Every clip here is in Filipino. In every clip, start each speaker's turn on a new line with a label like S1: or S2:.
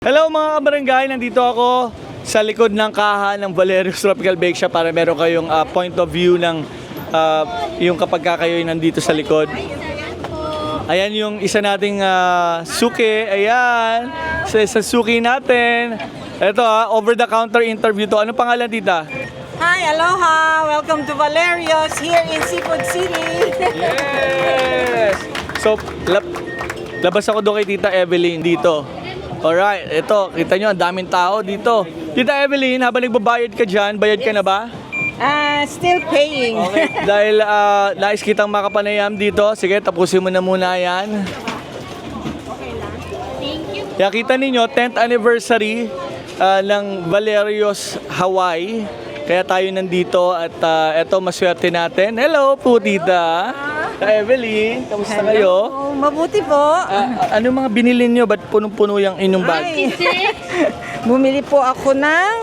S1: Hello mga kabarangay, nandito ako sa likod ng kaha ng Valerio's Tropical Bake Shop para meron kayong point of view ng yung kapag kayo nandito sa likod. Ayan yung isa nating suki, ayan, sa suki natin. Ito over the counter interview to. Anong pangalan tita?
S2: Hi, aloha! Welcome to Valerio's here in Seafood City.
S1: Yes! So, labas ako doon kay Tita Evelyn dito. Alright, ito, kita nyo, ang daming tao dito. Tita Evelyn, habang nagbabayad ka dyan, bayad ka na ba?
S2: Still paying.
S1: Okay, dahil nais kitang makapanayam dito, sige, tapusin mo na muna yan. Kaya kita ninyo, 10th anniversary ng Valerio's Hawaii. Kaya tayo nandito at eto, maswerte natin. Hello po, Tita. Evelyn, kamusta kayo?
S2: Oh, mabuti po.
S1: Ano mga binili nyo? Ba't punong-puno yung inyong bag?
S2: Ay, bumili po ako ng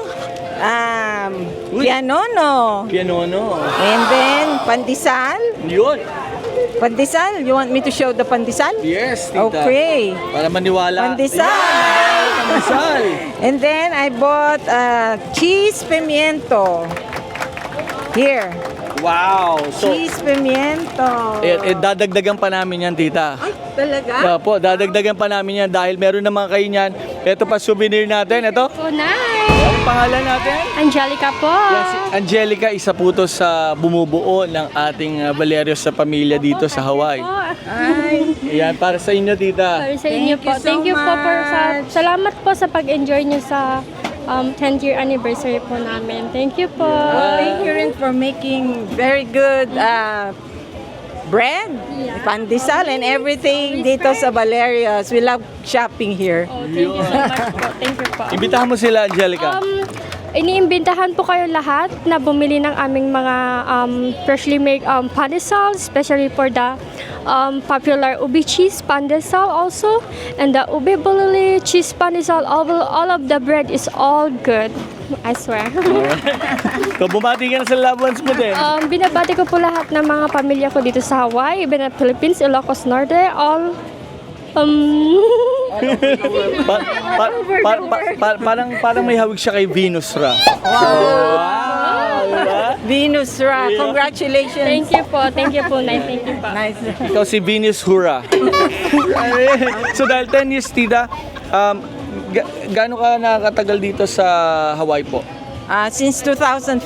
S2: pianono.
S1: Pianono.
S2: And then, pandesal.
S1: Yun.
S2: Pandesal? You want me to show the pandesal?
S1: Yes, Tita.
S2: Okay.
S1: Para maniwala.
S2: Pandesal.
S1: Yan, pandesal.
S2: And then, I bought cheese pimiento. Here.
S1: Wow. So,
S2: Cheese pimiento.
S1: dadagdagan pa namin yan, Tita.
S2: Ay, talaga?
S1: Opo, dadagdagan pa namin yan dahil meron naman kayo niyan. Ito pa souvenir natin. Ito.
S3: Oh, nice!
S1: Ang pangalan natin?
S3: Angelica po.
S1: Yan, si Angelica, isa po to sa bumubuo ng ating Valerio's sa pamilya dito sa Hawaii.
S2: Ay,
S1: Yan, para sa inyo, Tita.
S3: Para sa inyo
S2: Thank
S3: po.
S2: you so
S3: Thank you po for
S2: much.
S3: salamat po sa pag-enjoy niyo sa 10th year anniversary po namin. Thank you po.
S2: thank you rin for making very good bread, pandesal, and everything dito sa Valerio's. We love shopping here.
S3: Oh, thank you so much po. Thank you po.
S1: Imbitahan mo sila, Angelica.
S3: Iniimbitahan po kayo lahat na bumili ng aming mga freshly made pandesal, especially for the popular ubi cheese pandesal also, and the ubi bulili cheese pandesal. All of the bread is all good. I swear.
S1: So, bumati ka na sa loved ones mo din.
S3: Binabati ko po lahat ng mga pamilya ko dito sa Hawaii, even at Philippines, Ilocos Norte, all
S1: Parang may hawig siya kay Venus Ra. Wow! Diba?
S2: Venus Ra, congratulations.
S3: Thank you po, Nay. Thank you po.
S2: Nice.
S1: Ikaw si Venus Hura. So dahil 10 years, Tita, gaano ka nakatagal dito sa Hawaii po?
S2: Since 2005.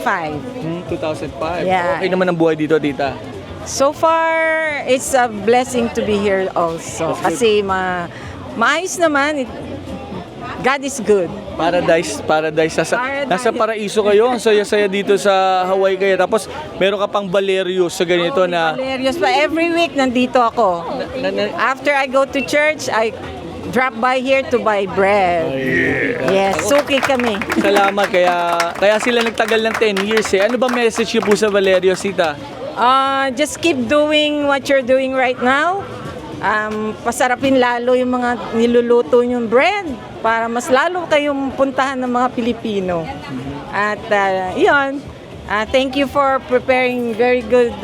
S1: 2005.
S2: Yeah.
S1: Okay naman ang buhay dito, Tita.
S2: So far, it's a blessing to be here also. Kasi maayos naman. God is good.
S1: Paradise.
S2: Paradise.
S1: Nasa paraiso kayo. Ang saya-saya dito sa Hawaii kayo. Tapos meron ka pang Valerio's sa ganito na...
S2: Valerio's pa. Every week nandito ako. After I go to church, I drop by here to buy bread. Yes, suki kami.
S1: Salamat. Kaya sila nagtagal ng 10 years eh. Ano ba message niyo po sa Valerio's, Tita?
S2: Just keep doing what you're doing right now. Pasarapin lalo yung mga niluluto yung bread para mas lalo kayong puntahan ng mga Pilipino. At yun, thank you for preparing very good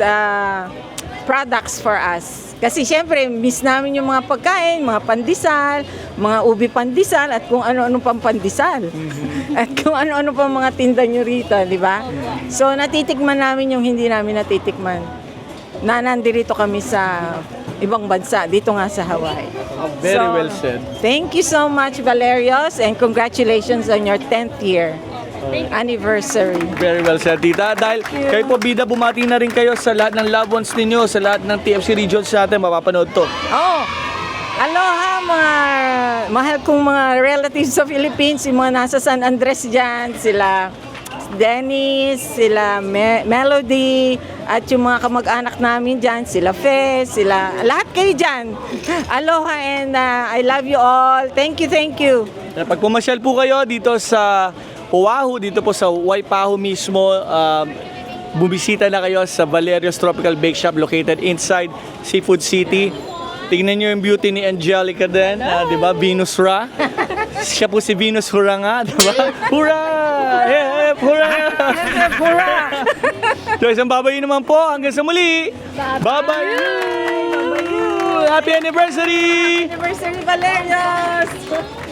S2: products for us. Kasi syempre, miss namin yung mga pagkain, mga pandesal, mga ubi pandesal, at kung ano-ano pang pandesal. At kung ano-ano pang mga tinda nyo rito, di ba? So, natitikman namin yung hindi namin natitikman. Nandito kami sa ibang bansa, dito nga sa Hawaii.
S1: Very well said.
S2: Thank you so much, Valerio's, and congratulations on your 10th year anniversary.
S1: Very well said, Tita. Dahil kayo po, bida, bumati na rin kayo sa lahat ng loved ones ninyo, sa lahat ng TFC regions natin, mapapanood to.
S2: Oh, aloha mga mahal kong mga relatives sa Philippines, yung mga nasa San Andres dyan, sila Dennis, sila Melody, at yung mga kamag-anak namin dyan, sila Fez, sila, lahat kayo dyan. Aloha and I love you all. Thank you, thank you.
S1: Pag pumasyal po kayo dito sa Oahu, dito po sa Waipahu mismo, bumisita na kayo sa Valerio's Tropical Bake Shop located inside Seafood City. Tingnan nyo yung beauty ni Angelica din, di ba? Venus Ra. Siya po si Venus Hura nga, di ba? Hura! Hep! Hura!
S2: Hep, hurra!
S1: So isang babayin naman po. Hanggang sa muli. Bye-bye! Happy anniversary!
S2: Anniversary Valerio's!